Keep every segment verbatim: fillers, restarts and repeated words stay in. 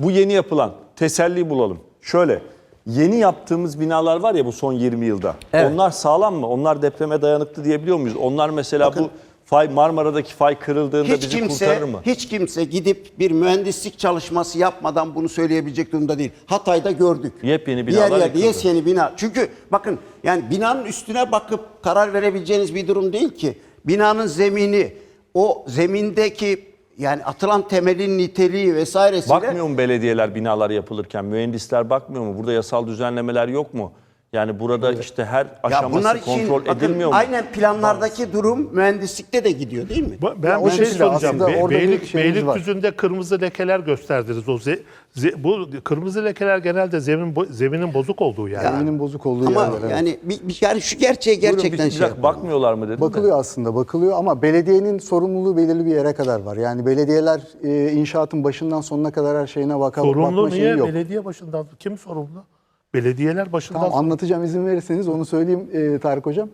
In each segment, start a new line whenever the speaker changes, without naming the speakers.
bu yeni yapılan, teselli bulalım. Şöyle, yeni yaptığımız binalar var ya bu son yirmi yılda. Evet. Onlar sağlam mı? Onlar depreme dayanıklı diyebiliyor muyuz? Onlar mesela Bakın, bu fay Marmara'daki fay kırıldığında
hiç
bizi
kimse,
kurtarır mı?
Hiç kimse gidip bir mühendislik çalışması yapmadan bunu söyleyebilecek durumda değil. Hatay'da gördük.
Yepyeni binalar
Diğer yerde
yıkıldı.
yeni bina. Çünkü bakın yani binanın üstüne bakıp karar verebileceğiniz bir durum değil ki. Binanın zemini, o zemindeki yani atılan temelin niteliği vesairesiyle...
Bakmıyor mu belediyeler binalar yapılırken? Mühendisler bakmıyor mu? Burada yasal düzenlemeler yok mu? Yani burada evet. işte her aşaması kontrol
bakın,
edilmiyor mu?
Aynen planlardaki Bazı. durum mühendislikte de gidiyor değil mi?
Ben ya bir şey soracağım. Be Beylik, Beylikdüzü'nde
var.
kırmızı lekeler gösterdiniz. O ze ze bu kırmızı lekeler genelde zemin bo zeminin bozuk olduğu yani.
Ya, zeminin bozuk olduğu
ama
yerler.
Yani bir, bir, yani şu gerçeğe gerçekten
Buyurun, bir,
şey
bir bakmıyorlar mı dedim
Bakılıyor
de.
aslında bakılıyor ama belediyenin sorumluluğu belirli bir yere kadar var. Yani belediyeler e, inşaatın başından sonuna kadar her şeyine baka, bakma
sorumlu
şeyi
niye?
yok.
Belediye başından kim sorumlu? Belediyeler başından
Tamam,
sonra...
anlatacağım izin verirseniz onu söyleyeyim e, Tarık Hocam.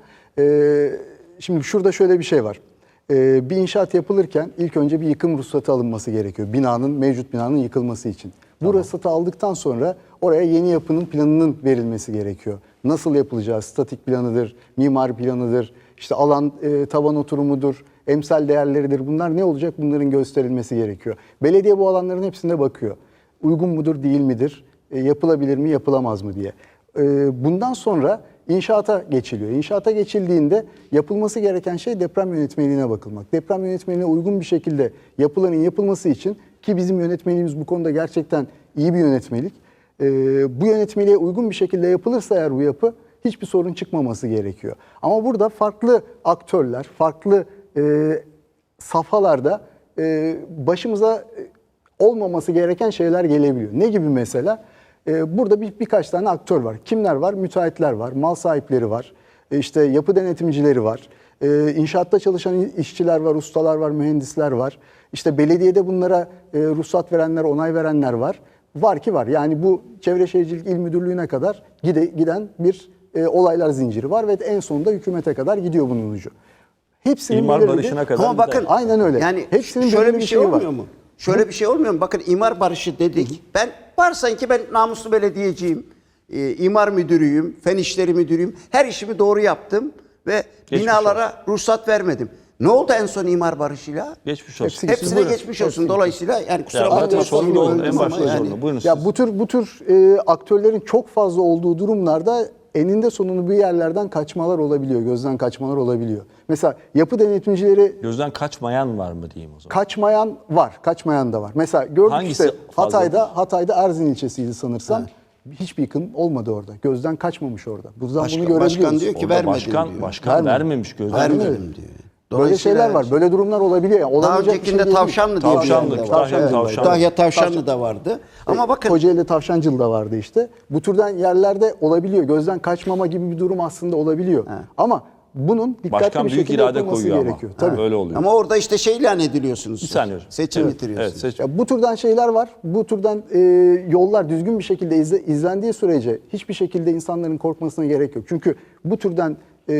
E, şimdi şurada şöyle bir şey var. E, bir inşaat yapılırken ilk önce bir yıkım ruhsatı alınması gerekiyor. Binanın, mevcut binanın yıkılması için. Bu tamam. ruhsatı aldıktan sonra oraya yeni yapının planının verilmesi gerekiyor. Nasıl yapılacağı, statik planıdır, mimari planıdır, işte alan e, taban oturumudur, emsal değerleridir. Bunlar ne olacak? Bunların gösterilmesi gerekiyor. Belediye bu alanların hepsine bakıyor. Uygun mudur, değil midir? E, yapılabilir mi, yapılamaz mı diye. E, bundan sonra inşaata geçiliyor. İnşaata geçildiğinde yapılması gereken şey deprem yönetmeliğine bakılmak. Deprem yönetmeliğine uygun bir şekilde yapılanın yapılması için, ki bizim yönetmeliğimiz bu konuda gerçekten iyi bir yönetmelik. E, bu yönetmeliğe uygun bir şekilde yapılırsa eğer bu yapı hiçbir sorun çıkmaması gerekiyor. Ama burada farklı aktörler, farklı e, safhalarda e, başımıza olmaması gereken şeyler gelebiliyor. Ne gibi mesela? Burada bir, birkaç tane aktör var. Kimler var? Müteahhitler var, mal sahipleri var, işte yapı denetimcileri var, inşaatta çalışan işçiler var, ustalar var, mühendisler var. İşte belediyede bunlara ruhsat verenler, onay verenler var. Var ki var. Yani bu Çevre Şehircilik İl Müdürlüğü'ne kadar gide, giden bir olaylar zinciri var ve en sonunda hükümete kadar gidiyor bunun ucu. Hepsinin
İmar barışına kadar.
Ama bakın
aynen öyle.
Yani
hepsinin
şöyle bir
bir
şey
var.
olmuyor mu? Şöyle bir şey olmuyor mu? Bakın imar barışı dedik. Hı hı. Ben varsan ki ben namuslu belediyeciyim, e, imar müdürüyüm, fen işleri müdürüyüm. Her işimi doğru yaptım ve geçmiş binalara olsun. ruhsat vermedim. Ne oldu en son imar barışıyla?
Geçmiş olsun.
Hepsi, Hepsine buyurun. geçmiş olsun. Hepsi. Dolayısıyla yani kusura bakmayın.
En başta yani. Buyurun
ya bu tür bu tür e, aktörlerin çok fazla olduğu durumlarda eninde sonunu bir yerlerden kaçmalar olabiliyor, gözden kaçmalar olabiliyor. Mesela yapı denetimcileri...
Gözden kaçmayan var mı diyeyim o zaman?
Kaçmayan var, kaçmayan da var. Mesela gördük
Hangisi
işte Hatay'da, Hatay'da Erzin ilçesiydi sanırsam. Ha. Hiçbir yıkım olmadı orada. Gözden kaçmamış orada. Buradan
başkan,
bunu görebiliyoruz.
Başkan diyor ki vermedim
başkan,
diyor.
Başkan
Vermedim.
vermemiş gözden.
Vermedim diyor.
Böyle şeyler var, böyle durumlar olabiliyor. Yani
daha öncekinde şey Tavşanlı diye
Tavşanlı,
bir yerde
Tavşanlı,
var.
Tavşanlı.
Kütahya Tavşanlı da vardı. Ama e, bakın.
Kocaeli Tavşancılı da vardı işte. Bu türden yerlerde olabiliyor. Gözden kaçmama gibi bir durum aslında olabiliyor. He. Ama bunun dikkatli
Başkan
bir
büyük
şekilde
irade
yapılması
koyuyor
gerekiyor.
Ama.
Tabii.
Öyle oluyor.
Ama orada işte şey ilan ediliyorsunuz.
Bir saniye.
Seçim
evet.
bitiriyorsunuz.
Evet, seçim.
Ya bu türden şeyler var. Bu türden e, yollar düzgün bir şekilde izle, izlendiği sürece hiçbir şekilde insanların korkmasına gerek yok. Çünkü bu türden e,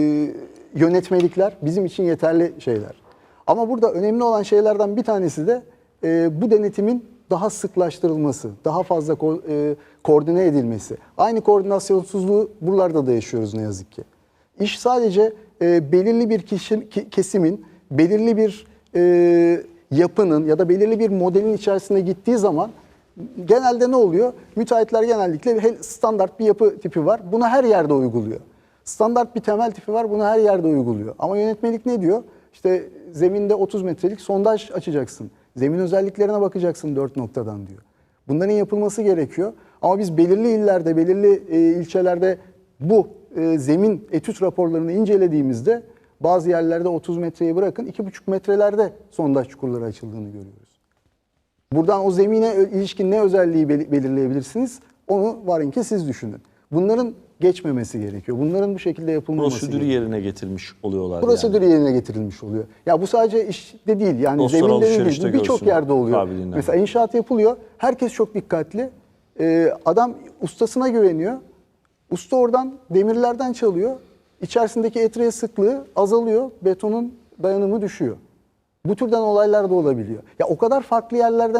yönetmelikler bizim için yeterli şeyler. Ama burada önemli olan şeylerden bir tanesi de e, bu denetimin daha sıklaştırılması, daha fazla ko e, koordine edilmesi. Aynı koordinasyonsuzluğu buralarda da yaşıyoruz ne yazık ki. İş sadece e, belirli bir kişi, ki, kesimin, belirli bir e, yapının ya da belirli bir modelin içerisine gittiği zaman genelde ne oluyor? Müteahhitler genellikle standart bir yapı tipi var. Bunu her yerde uyguluyor. Standart bir temel tipi var. Bunu her yerde uyguluyor. Ama yönetmelik ne diyor? İşte zeminde otuz metrelik sondaj açacaksın. Zemin özelliklerine bakacaksın dört noktadan diyor. Bunların yapılması gerekiyor. Ama biz belirli illerde, belirli e, ilçelerde bu e, zemin etüt raporlarını incelediğimizde bazı yerlerde otuz metreyi bırakın iki buçuk metrelerde sondaj çukurları açıldığını görüyoruz. Buradan o zemine ilişkin ne özelliği belirleyebilirsiniz? Onu varın ki siz düşünün. Bunların geçmemesi gerekiyor. Bunların bu şekilde yapılmaması
Prosedürü
gerekiyor.
yerine getirmiş oluyorlar.
Prosedürü
yani.
yerine getirilmiş oluyor. Ya bu sadece işte değil. Yani
Dostlar
zeminde değil. Birçok yerde oluyor.
Kabiliğinden.
Mesela inşaat yapılıyor. Herkes çok dikkatli. Ee, adam ustasına güveniyor. Usta oradan demirlerden çalıyor. İçerisindeki etriye sıklığı azalıyor. Betonun dayanımı düşüyor. Bu türden olaylar da olabiliyor. Ya o kadar farklı yerlerden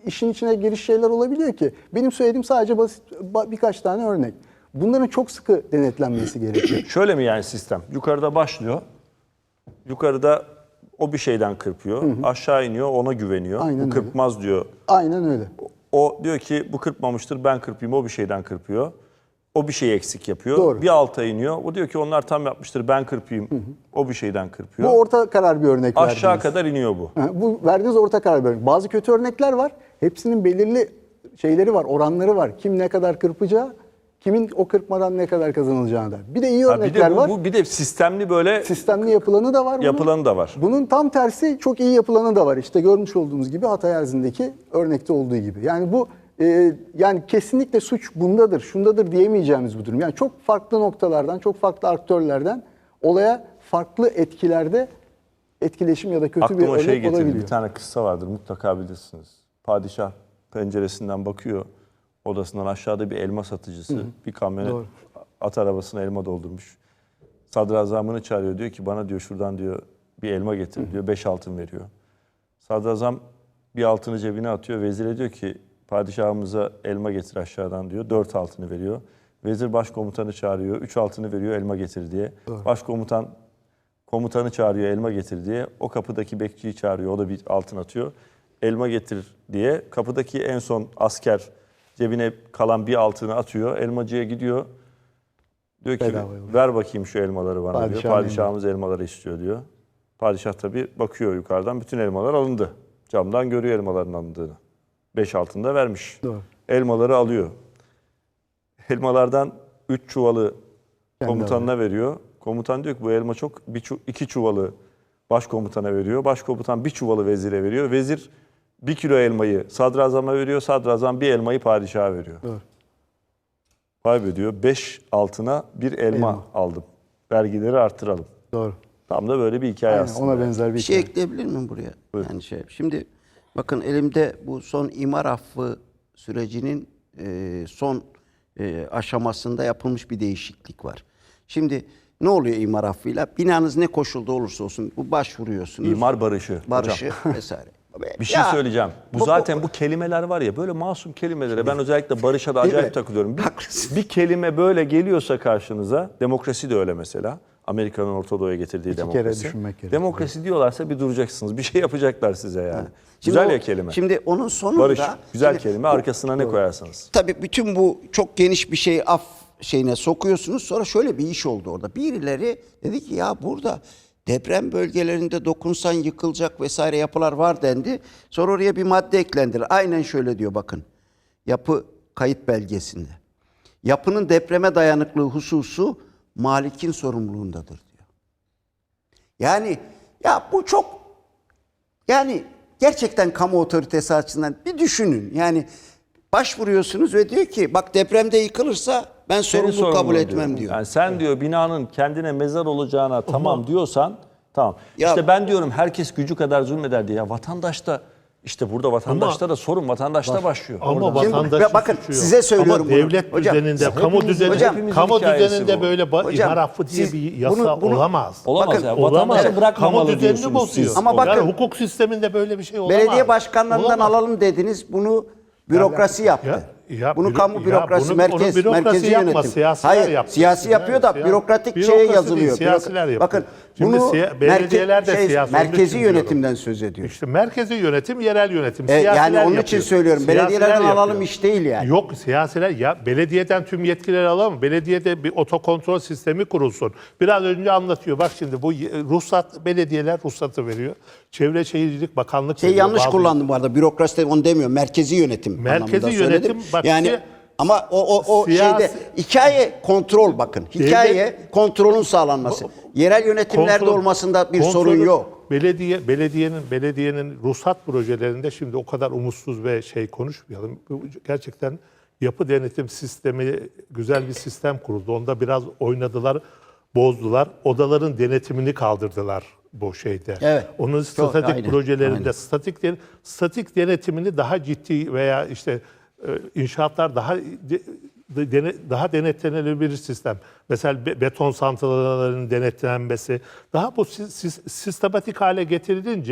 işin içine giriş şeyler olabiliyor ki. Benim söylediğim sadece basit ba- birkaç tane örnek. Bunların çok sıkı denetlenmesi gerekiyor.
Şöyle mi yani sistem? Yukarıda başlıyor. Yukarıda o bir şeyden kırpıyor. Aşağı iniyor, ona güveniyor.
Aynen
bu
öyle.
kırpmaz diyor.
Aynen öyle.
O diyor ki bu kırpmamıştır, ben kırpayım. O bir şeyden kırpıyor. O bir şey eksik yapıyor.
Doğru.
Bir alta iniyor. O diyor ki onlar tam yapmıştır, ben kırpayım. O bir şeyden
Bu
kırpıyor.
orta karar bir örnek
Aşağı
verdiniz.
kadar iniyor bu.
Ha, bu verdiğiniz orta karar bir örnek. Bazı kötü örnekler var. Hepsinin belirli şeyleri var, oranları var. Kim ne kadar kırpacağı, kimin o kırpmadan ne kadar kazanılacağına da. Bir de iyi
Ha, bir
örnekler
de bu,
var.
bu bir de sistemli böyle
Sistemli yapılanı da var. bunun.
yapılanı da var.
Bunun tam tersi çok iyi yapılanı da var. İşte görmüş olduğunuz gibi Hatay Erzin'deki örnekte olduğu gibi. Yani bu e, yani kesinlikle suç bundadır, şundadır diyemeyeceğimiz bir durum. Yani çok farklı noktalardan, çok farklı aktörlerden olaya farklı etkilerde etkileşim ya da kötü bir
Aklıma
örnek
şey getirdi.
olabiliyor.
Bir tane kıssa vardır, mutlaka bilirsiniz. Padişah penceresinden bakıyor. Odasından aşağıda bir elma satıcısı bir kamyonet
Doğru.
at arabasına elma doldurmuş. Sadrazamını çağırıyor, diyor ki bana diyor şuradan diyor bir elma getir diyor. Beş altın veriyor. Sadrazam bir altını cebine atıyor. Vezire diyor ki padişahımıza elma getir aşağıdan diyor. Dört altını veriyor. Vezir başkomutanı çağırıyor. Üç altını veriyor, elma getir diye. Başkomutan komutanı çağırıyor, elma getir diye. O kapıdaki bekçiyi çağırıyor. O da bir altın atıyor. Elma getir diye. Kapıdaki en son asker cebine kalan bir altını atıyor. Elmacıya gidiyor. Diyor ki
Bedava yolluyor.
ver bakayım şu elmaları bana diyor.
Padişahın
Padişahımız elmaları istiyor diyor. Padişah tabii bakıyor yukarıdan, bütün elmalar alındı. Camdan görüyor elmaların alındığını. Beş altında vermiş.
Doğru.
Elmaları alıyor. Elmalardan üç çuvalı
Kendi
komutanına veriyor. Komutan diyor ki bu elma çok, bir çu- iki çuvalı başkomutana veriyor. Başkomutan bir çuvalı vezire veriyor. Vezir bir kilo elmayı sadrazama veriyor. Sadrazam bir elmayı padişaha veriyor.
Doğru.
Vay be diyor, beş altına bir elma,
Elma.
aldım. Vergileri arttıralım.
Doğru.
Tam da böyle bir hikaye
Aynen,
aslında.
ona benzer bir
Bir şey
hikaye.
ekleyebilir miyim buraya? Yani şey. Şimdi bakın elimde bu son imar affı sürecinin e, son e, aşamasında yapılmış bir değişiklik var. Şimdi ne oluyor imar affıyla? Binanız ne koşulda olursa olsun bu başvuruyorsunuz.
İmar barışı.
barışı
Hocam.
vesaire.
Bir şey
Ya,
söyleyeceğim. Bu,
bu-
zaten bu kelimeler var ya, böyle masum kelimelere ben özellikle barışa da
Değil
acayip
mi?
takılıyorum. Bir,
Haklısın.
bir kelime böyle geliyorsa karşınıza, demokrasi de öyle mesela. Amerika'nın Orta Doğu'ya getirdiği
kere
demokrasi.
düşünmek gerekiyor.
Demokrasi diyorlarsa bir duracaksınız. Bir şey yapacaklar size yani.
Şimdi
Güzel
o-
ya kelime.
Şimdi onun sonunda
Barış. Güzel
şimdi
kelime. Arkasına ne koyarsanız.
tabii bütün bu çok geniş bir şeyi af şeyine sokuyorsunuz. Sonra şöyle bir iş oldu orada. Birileri dedi ki ya burada deprem bölgelerinde dokunsan yıkılacak vesaire yapılar var dendi. Sonra oraya bir madde eklendiler. Aynen şöyle diyor bakın. Yapı kayıt belgesinde. Yapının depreme dayanıklığı hususu malikin sorumluluğundadır diyor. Yani ya bu çok yani gerçekten kamu otoritesi açısından bir düşünün. Yani başvuruyorsunuz ve diyor ki bak depremde yıkılırsa ben
Senin
sorumluluk kabul
sorumluluğun
etmem diyor.
Yani sen diyor binanın kendine mezar olacağına tamam diyorsan tamam.
Ya-
işte ben diyorum herkes gücü kadar zulmeder diye. Ya vatandaş da işte burada vatandaşta da sorun vatandaşta başlıyor.
Ama
Orada.
Şimdi
vatandaşın
bakın,
suçu yok.
size söylüyorum
Ama
bunu.
devlet
Hocam,
düzeninde,
hepimiz-
kamu düzeninde,
hocam,
kamu
hikayesi
düzeninde
bu.
böyle ba-
Hocam,
imar affı diye
siz
bir yasa
bunu- bunu-
olamaz.
Olamaz
Bakın,
ya.
Olamaz.
Vatandaşı
Kamu
bırakmamalı
düzenini
diyorsunuz
bozuyor.
siz.
Ama
O-
bakın-
yani hukuk sisteminde böyle bir şey olamaz.
Belediye başkanlarından
Olamaz.
alalım dediniz. Bunu bürokrasi yaptı.
Ya- ya
bunu
büro-
kamu
ya
bürokrasi,
bunu-
merkez,
onu bürokrasi
merkezi
yapmaz,
yönetim.
siyasiler
Hayır,
yapıyor.
siyasi yapıyor da
Yani
bürokratik
bürokrasi
şeye
değil,
yazılıyor.
siyasiler
Bürok-
yapıyor.
Bakın
Şimdi
bunu
siya- belediyeler de
merke- şey,
siyasi olduğu
merkezi
için diyorum.
yönetimden söz ediyor.
İşte merkezi yönetim, yerel yönetim.
E, yani
Siyasiler
onun için
yapıyor.
söylüyorum.
Siyasiler
Belediyelerden alalım
yapıyor.
iş değil yani.
Yok siyasiler ya belediyeden tüm yetkileri alalım. Belediyede bir otokontrol sistemi kurulsun. Biraz önce anlatıyor. Bak şimdi bu ruhsat belediyeler ruhsatı veriyor. Çevre Şehircilik Bakanlık
Şey
veriyor.
yanlış
Bazı-
kullandım bu arada. Bürokrasi de onu demiyorum. Merkezi yönetim
Merkezi
anlamında
yönetim,
söyledim.
bak,
yani
si-
ama o o o
siyasi-
şeyde hikaye kontrol bakın. Hikaye kontrolün sağlanması. Yerel yönetimlerde
Kontrol-
olmasında bir
kontrolü-
sorun yok.
Belediye belediyenin belediyenin ruhsat projelerinde şimdi o kadar umutsuz ve şey konuşmayalım. Bu gerçekten yapı denetim sistemi güzel bir sistem kuruldu. Onda biraz oynadılar, bozdular. Odaların denetimini kaldırdılar bu şeyde.
Evet.
Onun statik
aynen,
projelerinde
aynen.
statik den- statik denetimini daha ciddi veya işte e, inşaatlar daha de- de- dene- daha denetlenebilir bir sistem. Mesela be- beton santralarının denetlenmesi daha bu sis- sis- sistematik hale getirilince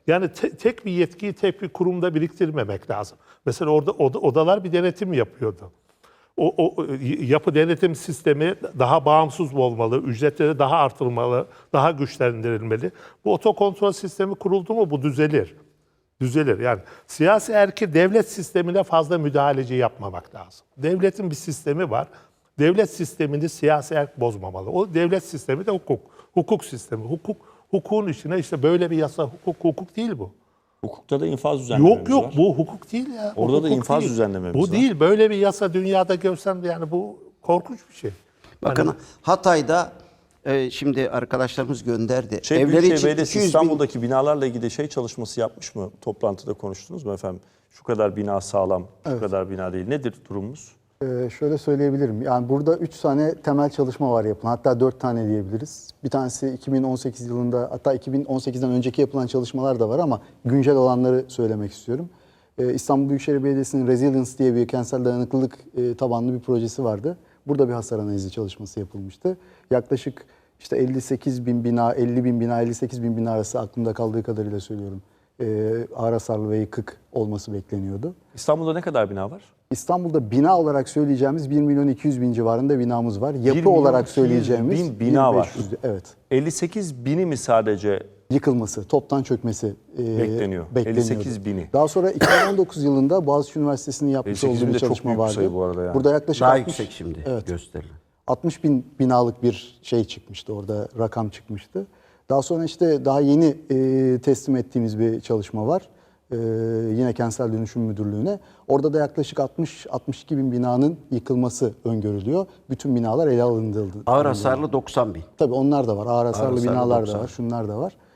Yani te- tek bir yetkiyi tek bir kurumda biriktirmemek lazım. Mesela orada oda- odalar bir denetim yapıyordu. O, o yapı denetim sistemi daha bağımsız olmalı, ücretleri daha artırılmalı, daha güçlendirilmeli. Bu otokontrol sistemi kuruldu mu bu düzelir. Düzelir. Yani siyasi erki devlet sistemine fazla müdahaleci yapmamak lazım. Devletin bir sistemi var. Devlet sistemini siyasi erk bozmamalı. O devlet sistemi de hukuk. Hukuk sistemi. Hukuk hukukun içine işte böyle bir yasa hukuk hukuk değil bu.
Hukukta da infaz düzenlememiz
Yok yok
var.
bu hukuk değil ya. Bu
Orada da
hukuk
infaz
değil.
düzenlememiz
Bu
var.
değil. Böyle bir yasa dünyada görsen yani bu korkunç bir şey.
Bakın
Hani-
Hatay'da e, şimdi arkadaşlarımız gönderdi.
Şey,
Evleri
Büyükşehir
için
Belediyesi
iki yüz bin
İstanbul'daki binalarla ilgili şey çalışması yapmış mı? Toplantıda konuştunuz mu efendim? Şu kadar bina sağlam, şu kadar bina değil. Nedir durumumuz?
Ee, şöyle söyleyebilirim. Yani burada üç tane temel çalışma var yapılan. Hatta dört tane diyebiliriz. Bir tanesi iki bin on sekiz yılında, hatta iki bin on sekizden önceki yapılan çalışmalar da var ama güncel olanları söylemek istiyorum. Ee, İstanbul Büyükşehir Belediyesi'nin Resilience diye bir kentsel dayanıklılık e, tabanlı bir projesi vardı. Burada bir hasar analizi çalışması yapılmıştı. Yaklaşık işte elli sekiz bin bina, elli bin bina, elli sekiz bin bina arası aklımda kaldığı kadarıyla söylüyorum. Ee, ağır hasarlı ve yıkık olması bekleniyordu.
İstanbul'da ne kadar bina var?
İstanbul'da bina olarak söyleyeceğimiz bir milyon iki yüz bin civarında binamız var. Yapı
milyon
olarak
iki yüz
söyleyeceğimiz
bin bina var.
bin beş yüz, evet.
elli sekiz bini mi sadece
Yıkılması, toptan çökmesi e,
Bekleniyor.
bekleniyordu.
elli sekiz bini.
Daha sonra iki bin on dokuz yılında Boğaziçi Üniversitesi'nin yapmış
elli sekiz
olduğu
bin
bir
de çok
çalışma
büyük bir
vardı.
sayı bu arada yani.
Burada yaklaşık
daha
altmış,
yüksek şimdi
evet,
gösterilen.
altmış bin binalık bir şey çıkmıştı orada, rakam çıkmıştı. Daha sonra işte daha yeni e, teslim ettiğimiz bir çalışma var. E, yine Kentsel Dönüşüm Müdürlüğü'ne. Orada da yaklaşık altmış altmış iki bin binanın yıkılması öngörülüyor. Bütün binalar ele alındı.
Ağır hasarlı doksan bin.
Tabii onlar da var. Ağır hasarlı
hasarlı
binalar
doksan.
da var. Şunlar da var.